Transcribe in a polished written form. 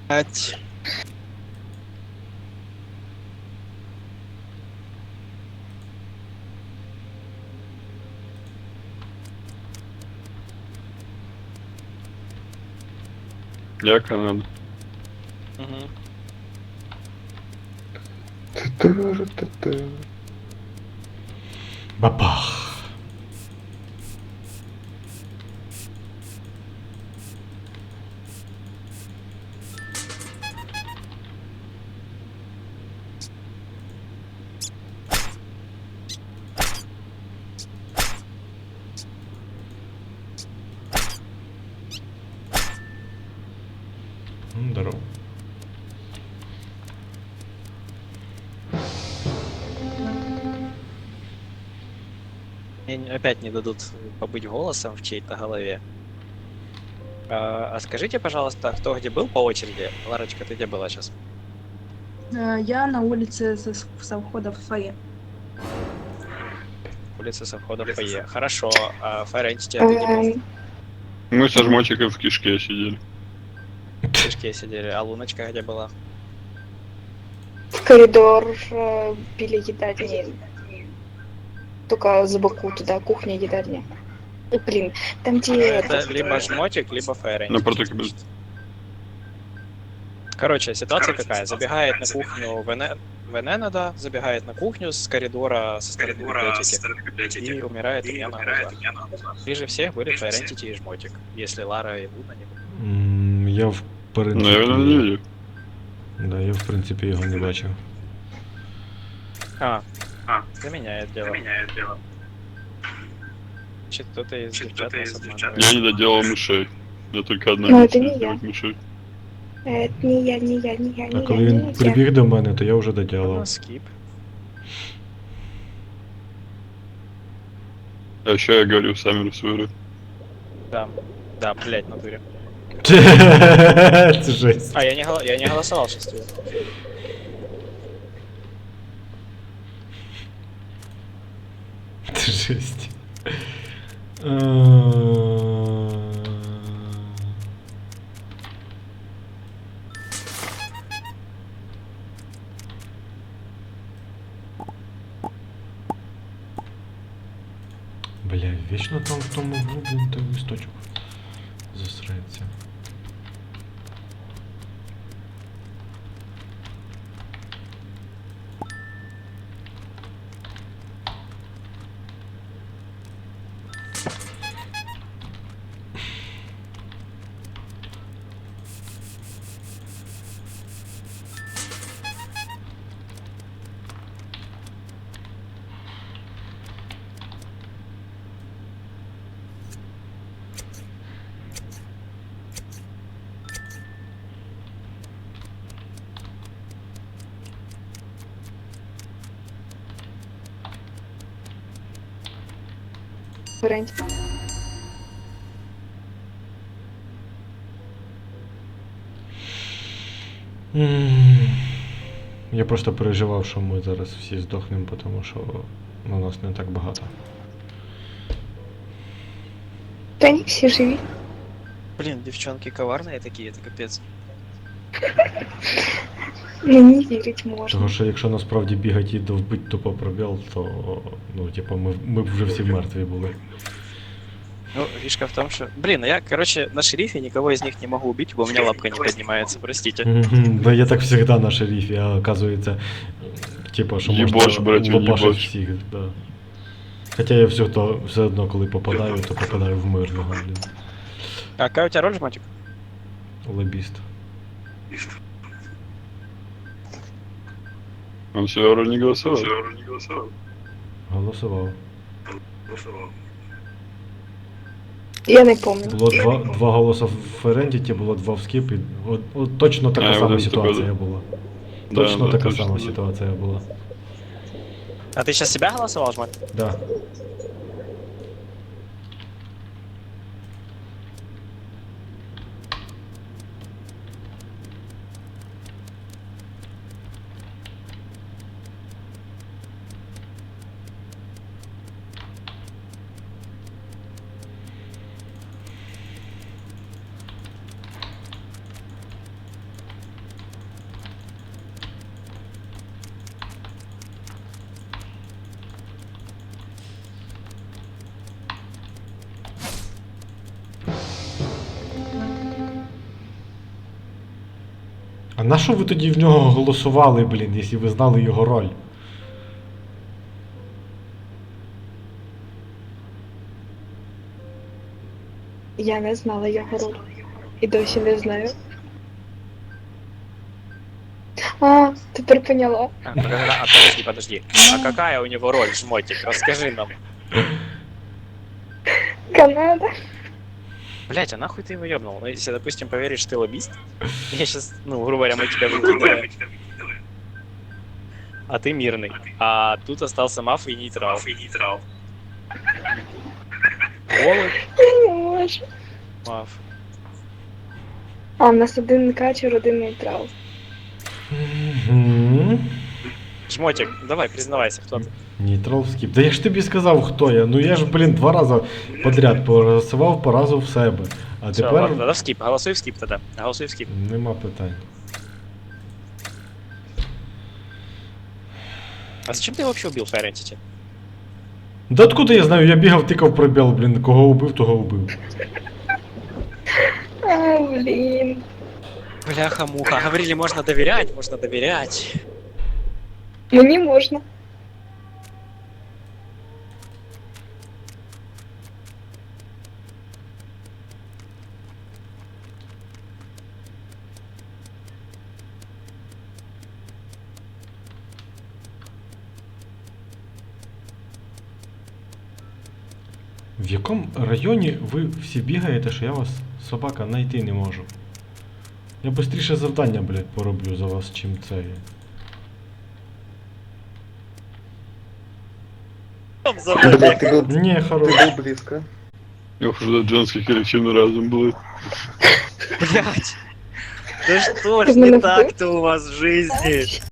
Ать. Я Канада. Угу. Бабах. Здорово. Мне опять не дадут побыть голосом в чьей-то голове. А скажите, пожалуйста, кто где был по очереди? Ларочка, ты где была сейчас? Я на улице со входа в фойе. Улица со входа в фойе. Хорошо. А Fire Entity, а ты где был? Мы со жмотиком в кишке сидели. В кишке сидели. А Луночка где была? В коридор били едальни. Только за боку туда, кухня, едальня. Блин, там где... Это либо жмотик, либо Fire Entity. Напротив кабинета. Короче, ситуация какая? Забегает на кухню Венена, да, забегает на кухню с коридора со стороны библиотеки и умирает у меня на глазах. Ближе всех были Fire Entity и жмотик, если Лара и Луна не были. Я в принципі... Ну, я его не видел. Да, я в принципі його не бачив. Заменяет дело. Значит, кто-то из девчат нас обманывает. Я не доделал мышей. Я только одна Ну, миссия это не сделать мышей. Это не я, не я, не я, А не коли я, він не я. прибіг до мене, то я вже Ну, доділав. скип. А еще я говорил сами свою. Да. Да, блять, в натуре. Це жесть. А, я не голосовал сейчас. Це жесть. Бля, вічно там в тому углу, блін, той листочок засрається. Варіант. Я просто переживав, що ми зараз всі здохнемо, тому що на нас не так багато. Да они все живи. Блин, девчонки коварные такие, это капец. Ну, не верить можно. Того, що якщо насправді бігати і довбить тупо пробіл, то, ну, типа, ми б вже всі мертві були. Ну, фишка в том, что... Блин, я, короче, на шерифе никого из них не могу убить, бо у меня лапка не поднимается, простите. Да я так завжди на шерифі, а оказується, типа, що Єбаш, можна братю, лопашить єбаш. всіх, да. Хоча я все одно, коли попадаю, то попадаю в мирного, блін. А какая у тебя роль, жмотик? Лобіст. Он все вроде не голосовал. Голосував. Я не помню. Було два голоси в Ферендіті, було два в скіп, і от точно така А, сама от ситуація таке, була. Да, Точно да, така точно, сама да. ситуація була. А ты сейчас себя голосовал, жмотик? Да. А на що ви тоді в нього голосували, блін, якщо ви знали його роль? Я не знала його роль. І досі не знаю. А, тепер поняла. Подожди. А какая у него роль, жмотик? Расскажи нам. Канада. Блять, а нахуй ты его ёбнул? Ну, если, допустим, поверишь, что ты лоббист, я сейчас, ну, грубо говоря, мы тебя выкидываем. А ты мирный. А тут остался маф и нейтрал. Голый Я не можу. маф. А, в нас один качер, один нейтрал. Угу. Жмотик, давай, признавайся, кто ты. Нейтрал скіп. Да я ж тобі сказав, хто я. Ну я ж, блін, 2 рази подряд проголосував по разу в себе. А Всё, тепер ладно, тогда в скип. Голосуй в скип тогда. Голосуй в скип. нема питань. А зачем ты вообще убил Fire Entity? Да откуда я знаю, я бігав, тикав пробіл, блін, кого убив, того убив. А, блін. Бляха-муха. Говорили, можно доверять, можно доверять. Мені можна. В якому районі ви всі бігаєте, що я вас, собака, знайти не можу? Я швидше завдання, блядь, пороблю за вас, чим це. Блядь, ты был, Ні, хорош. ты был близко. Ох, уже женских коллективный разум был. Блять. Да что ж Ты меня не так-то у вас в жизни?